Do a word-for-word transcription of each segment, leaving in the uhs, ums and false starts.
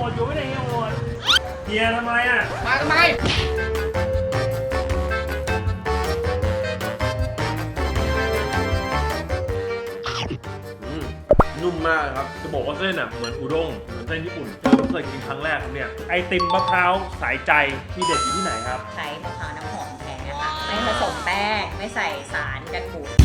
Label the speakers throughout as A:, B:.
A: ดอยู่ไม่ได้เฮียโหดเฮียทำไมอ่ะ
B: มาทำไม
C: นุ่มมากครับ
A: จะบอกว่าเส้นอ่ะเหมือนอุด้งเหมือนเส้นญี่ปุ่นเพิ่งเคยกินครั้งแรกครับเนี่ยไอติมมะพร้าวสายใจที่เด็ดอยู่ที่ไหนครับ
D: ใช้มะพร้าวน้ำหอมแท้ค่ะไม่ผสมแป้งไม่ใส่สารกันบูด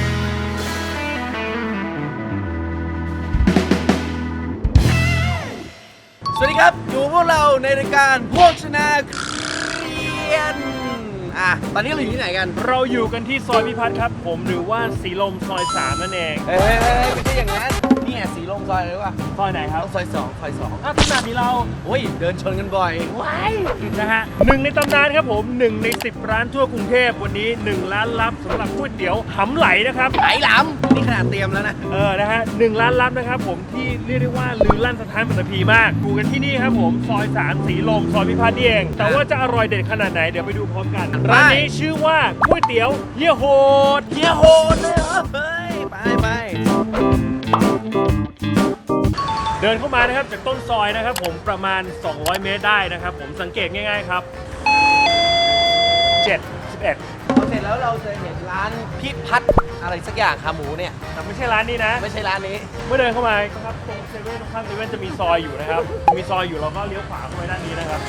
C: สวัสดีครับอยู่พวกเราในรายการโภชนาเรียนอ่ะตอนนี้เราอยู่ที่ไหนกัน
A: เราอยู่กันที่ซอยพิพัฒน์ครับผมหรือว่าสีลมซอยสามนั่นเอง
C: เฮ้ยไม่ใช่อย่างนั้นนี่ไงสีลมซอยเลยว่ะ
A: ซอยไหนครับ
C: ซอยสองซอยสอง
A: อ้าวขนาดนี้เรา
C: โอ้ยเดินชนกันบ่อย
A: ว้ายนะฮะหนึ่งในตำนานครับผมหนึ่งในสิบร้านทั่วกรุงเทพวันนี้หนึ่งล้านลับสำหรับก๋วยเตี๋ยวหำไหลนะครับ
C: ไหลหลำนี่ขนาดเตรียมแล้วนะ
A: เออนะฮะหนึ่งล้านลับนะครับผมที่เรียกได้ว่าลือลั่นสถานปัตตภีมากอยู่กันที่นี่ครับผมซอยสามสีลมซอยพิพัฒน์นี่เองแต่ว่าจะอร่อยเด็ดขนาดไหนเดี๋ยวไปดูพร้อมกันร้านนี้ชื่อว่าก๋วยเตี๋ยวเฮียโหด
C: เฮียโหดเลยเหรอเฮ้ยไปไป
A: เดินเข้ามานะครับจากต้นซอยนะครับผมประมาณสองร้อยเมตรได้นะครับผมสังเกตง่ายๆครับเจ็ด สิบเอ็ด
C: พอเสร็จแล้วเราจะเห็นร้านพิพัฒน์อะไรสักอย่างขาหมูเนี่ย
A: แต่ไม่ใช่ร้านนี้นะ
C: ไม่ใช่ร้านนี้
A: เมื่อเดินเข้ามาครับตรงเซเว่นตรงข้างเซเว่นจะมีซอยอยู่นะครับมีซอยอยู่เราก็เลี้ยวขวาเข้าไปด้านนี้นะครับ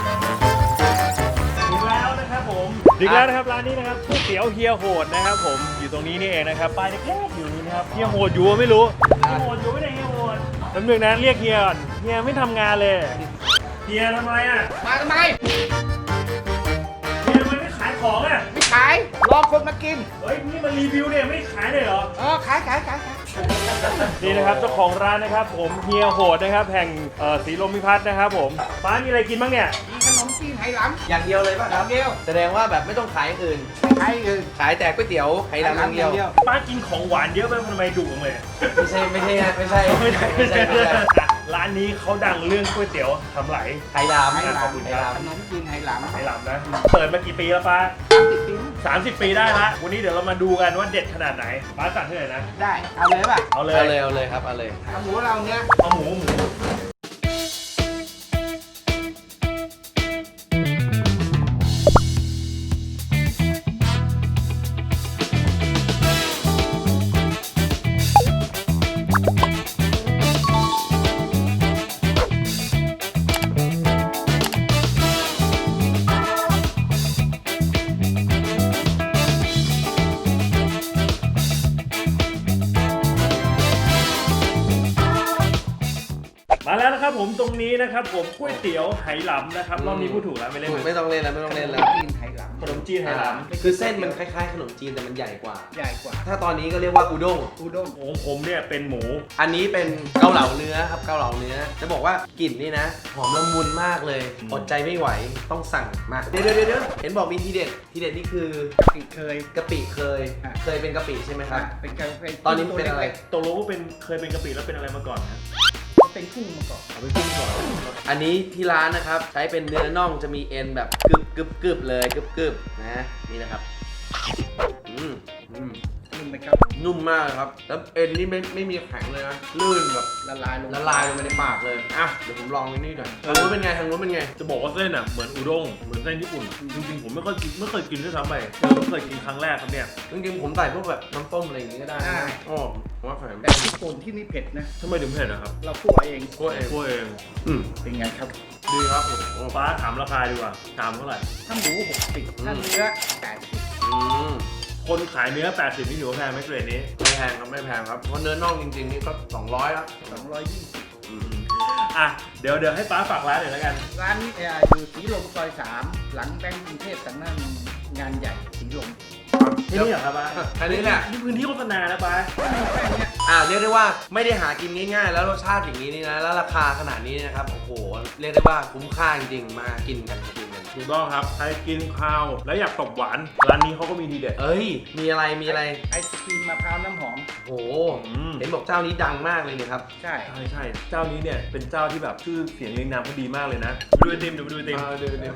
A: ถึงแล้วนะครับผมถึงแล้วนะครับร้านนี้นะครับก๋วยเตี๋ยวเฮียโหดนะครับผมอยู่ตรงนี้นี่เองนะครับป้ายเล็กๆอยู่นี่นะครับเฮียโหดอยู่ไม่รู้เฮียโหดอยู่ไม่ได้เฮียโหดแป๊บนึงนะเรียกเฮียก่อนเฮียไม่ทำงานเลยเฮียทำไมอ่ะ
B: มาทำไม
A: เฮียทำไมไม่ขายของอ่ะ
B: ไม่ขายรอคนมากิน
A: เฮ้ยนี่มันรีวิวเนี่ยไม่ขายเลยเหรอ
B: เออขายขายขายขาย
A: นี่นะครับเจ้าของร้านนะครับผมเฮียโหดนะครับแห่งสีลมพิพัฒน์นะครับผมป้ามีอะไรกินบ้างเนี่ย
B: มีขนมจีนไหหลำ
C: อย่างเดียวเลยป่ะครับ
B: อย่างเดียว
C: แสดงว่าแบบไม่ต้องขายอื่น
B: ขายอื่น
C: ขายแต่ก๋วยเตี๋ยวไหหลำอย่างเดียว
A: ป้ากินของหวานเยอะไปทำไมดุจังเลย
C: ไม่ใช่ไม่ใช่ไม่ใช่
A: ไม่ใช่ไม่ใช่ร้านนี้เขาดังเรื่องก๋วยเตี๋ยวทำไหล
C: ไหหลำ
A: ขอบคุณครับ
B: ขนมจีนไหหลำ
A: ไหหลำนะเปิดมากี่ปีแล้วป้าสามสิบปีได้ละวันนี้เดี๋ยวเรามาดูกันว่าเด็ดขนาดไหนป้าสั่งเท่าไหร่นะ
B: ได้เอาเลยป่ะ
A: เอาเลย
C: เอาเลยเอาเลยครับเอาเลย
B: เอาหมูเราเนี้ย
A: เอาหมูหมูมาแล้วนะครับผมตรงนี้นะครับผมก๋วยเตี๋ยวไหหลำนะครับรอบนี้พูดถูกแล้วไม่เล่น
C: ไม่ต้องเล่นแล้วไม่ต้องเล่นแล้ว
B: จีนไหหลำ
A: ขนมจีนไหหลำ
C: คือเส้นมันคล้ายๆขนมจีนแต่มันใหญ่กว่า
B: ใหญ่กว่า
C: ถ้าตอนนี้ก็เรียกว่าอุด้ง
B: อุด้ง
A: ของผมเนี่ยเป็นหมู
C: อันนี้เป็นเกาเหลาเนื้อครับเกาเหลาเนื้อจะบอกว่ากลิ่นนี่นะหอมละมุนมากเลยอดใจไม่ไหวต้องสั่งมาเดี๋ยวเดี๋ยวเดี๋ยวเห็นบอกมีทีเด็ดทีเด็ดนี่คือกะ
B: ปิเคย
C: กะปิเคยเคยเป็นกะปิใช่ไหมครับ
B: เป็นกะปิ
C: ตอนนี้เป็นอะไร
A: ตกลงว่าเป็นเคยเป็นกะปิแล้วเป็นอะไรมาก่อนนะ
B: เป็นกุ้งมาก่อน
A: เอาเป็นกุ้งก่อน
C: อันนี้ที่ร้านนะครับใช้เป็นเนื้อน่องจะมีเอ็นแบบกึบกึบกึบเลยกึบกึบนะนี่นะครับอืมอืม
B: นุ่มไหมครับ
C: นุ่มมากครับแล้วเอ็นนี่ไม่ไม่มีแข็งเลยนะลื่นแบบ
B: ละลายลง
C: ละลายลงไปในปากเลยอ่ะเดี๋ยวผมลองนี่หน่อยทางนู้นเป็นไงทางนู้นเป็นไง
A: จะบอกว่าเส้นอ่ะเหมือนอุด้งเหมือนเส้นญี่ปุ่นจริงๆผมไม่เคยกินไม่เคยกินด้วยซ้ำไปผมเคยกินครั้งแรกครับเนี่ย
C: จริงๆผมใส่พวกแบบน้ำต้มอะไรอย่างงี้ก็ได้อ๋อผมว่าแข็ง
B: แต่ญี่ปุ่นที่นี่เผ็ดนะ
A: ทำไมถึงเผ็ดนะครับ
B: เราคั่วเอง
A: คั่วเองคั่วเอง
C: อืม
B: เป็นไงครับ
A: ดีครับโอ้ป้าถามราคาดีกว่าถามเท่าไหร่
B: ถ้าหมูหกสิบถ้าเนื้อแปดสิบ
C: อืม
A: คนขายเนื้อแปดสิบนี่ถือว่าแพงไหมเกรดนี้
C: ไม่แพงครับไม่แพงครับเพราะเนื้อน่องจริงๆนี่ก็สองร้อยแล้ว
B: สองร้อยยี่สิบ
A: อ่ะเดี๋ยวเดี๋ยวให้ป้าฝากร้านหน่อยแล้วกัน
B: ร้านนี้อยู่สีลมซอยสามหลังแบงก์กรุงเทพสำนักงานใหญ่สีลม
A: ที่นี่เหรอครับป้า
C: อันนี้แหละ
A: นี่พื้นที่โฆษณานะป้า
B: แค่นี้
C: อ่าเรียกได้ว่าไม่ได้หากินง่ายๆแล้วรสชาติอย่างนี้นี่นะแล้วราคาขนาดนี้นะครับโอ้โหเรียกได้ว่าคุ้มค่าจริงๆมากินกันกินกัน
A: ถูกต้องครับใครกินข้าวแล้วอยากตบหวานร้านนี้เขาก็มีทีเด็ด
C: เอ้ยมีอะไรมีอะไร
B: ไอศครีมมะพร้าวน้ำหอม
C: โอ้เห็นบอกเจ้านี้ดังมากเลยเนี่ยครับ
B: ใช่
A: ใช่ใช่เจ้านี้เนี่ยเป็นเจ้าที่แบบชื่อเสียงเรียงนามเขาดีมากเลยนะดูไอติมดูดูไอติม
C: ดูไอติม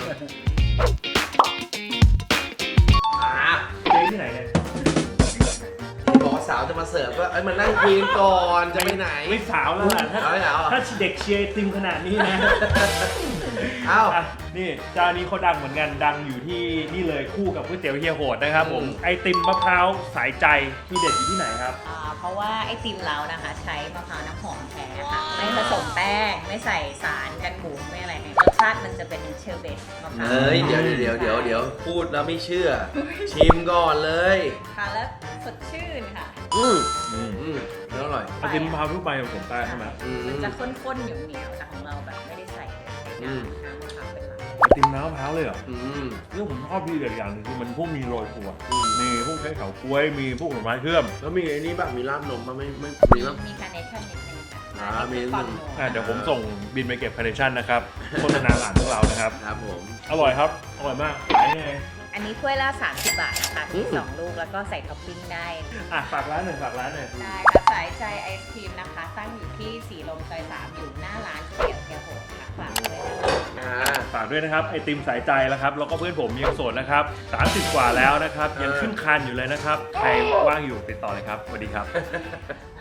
A: อ่าเจ๊ที่ไหนเนี่ย
C: บอกว่าสาวจะมาเสิร์ฟก็เอ้ยมานั่งคุยกันก่อนจะไปไหน
A: ไม่สาวแล้วล่ะถ้า
C: เอาไม่เอา
A: ถ้าเด็กเชียร์ไอติมขนาดนี้นะ
C: เอ้า
A: อ่ะนี่เจ้านี้เขาดังเหมือนกันดังอยู่ที่นี่เลยคู่กับก๋วยเตี๋ยวเฮียโหดนะครับผม
C: อืม
A: ไอติมมะพร้าวสายใจที่เด็ดอยู่ที่ไหนครับ
D: อ่าเพราะว่าไอติมเรานะคะใช้มะพร้าวน้ำหอมแท้ค่ะไม่ผสมแป้งไม่ใส่สารกันบูดไม่อะไรให้รสชาติมันจะเป็นเชอร์เบตมะพร้าว
C: เอ้ยเดี๋ยวเดี๋ยวเดี๋ยวเดี๋ยวพูดแล้วไม่เชื่อ ชิมก่อนเลย
D: ค่ะแล้วสดชื่นค่ะ
C: อืม
A: อืม
C: อืมแล้วอร่อย
A: ไอติมมะพร้าวทั่วไปผสมแป้งใช่ไหม
C: อืม
D: มันจะข้นๆเหนียวๆแต่ของเราแบบไม่ได้ใส่เลยใส่น้ำน้ำมะพร้าวเป็นหลัก
A: ไอติมน้ำมะพร้าวเลยเหรอ
C: อืม
A: นี่ผมชอบที่เด็ดอย่างหนึงคือมันพวกมีโรยถั่ว
C: อืม
A: มีพวกใช้เฉาก๊วยมีพวกผลไม้เชื่อม
C: แล้วมีไอ้นี่ป่ะมีราดนมป่ะไม่ไม่มีป่ะ
D: มีคาร์เนชั่นนิดนึงค่ะ
C: อ่ามีนิดนึง
A: อ่ะเดี๋ยวผมส่งบินไปเก็บคาร์เนชั่นนะครับโฆษณาหลานพวกเรานะครับ
C: ครับผม
A: อร่อยครับ อร่อยมากขายยังไง
D: อันนี้ถ้วยละสามสิบบาทนะคะ
C: อื
D: มี
C: ม
D: สองลูกแล้วก็ใส่ท็อปปิ้งได้
A: อ่ะฝากร้านหน่อยฝากร้านหน่อย
D: ได้ค่ะสายใจไอศครีมนะคะ ตั้งอยู่ที่สีลมซอยสามอยู่หน้าร้านก๋วยเตี๋ยวเฮียโหดค่ะฝากด้วยนะคะ
C: อ่า
A: ฝากด้วยนะครับไอติมสายใจแล้วครับแล้วก็เพื่อนผมยังโสดนะครับสามสิบกว่าแล้วนะครับยังขึ้นคานอยู่เลยนะครับใครว่างอยู่ติดต่อเลยครับสวัสดีครับ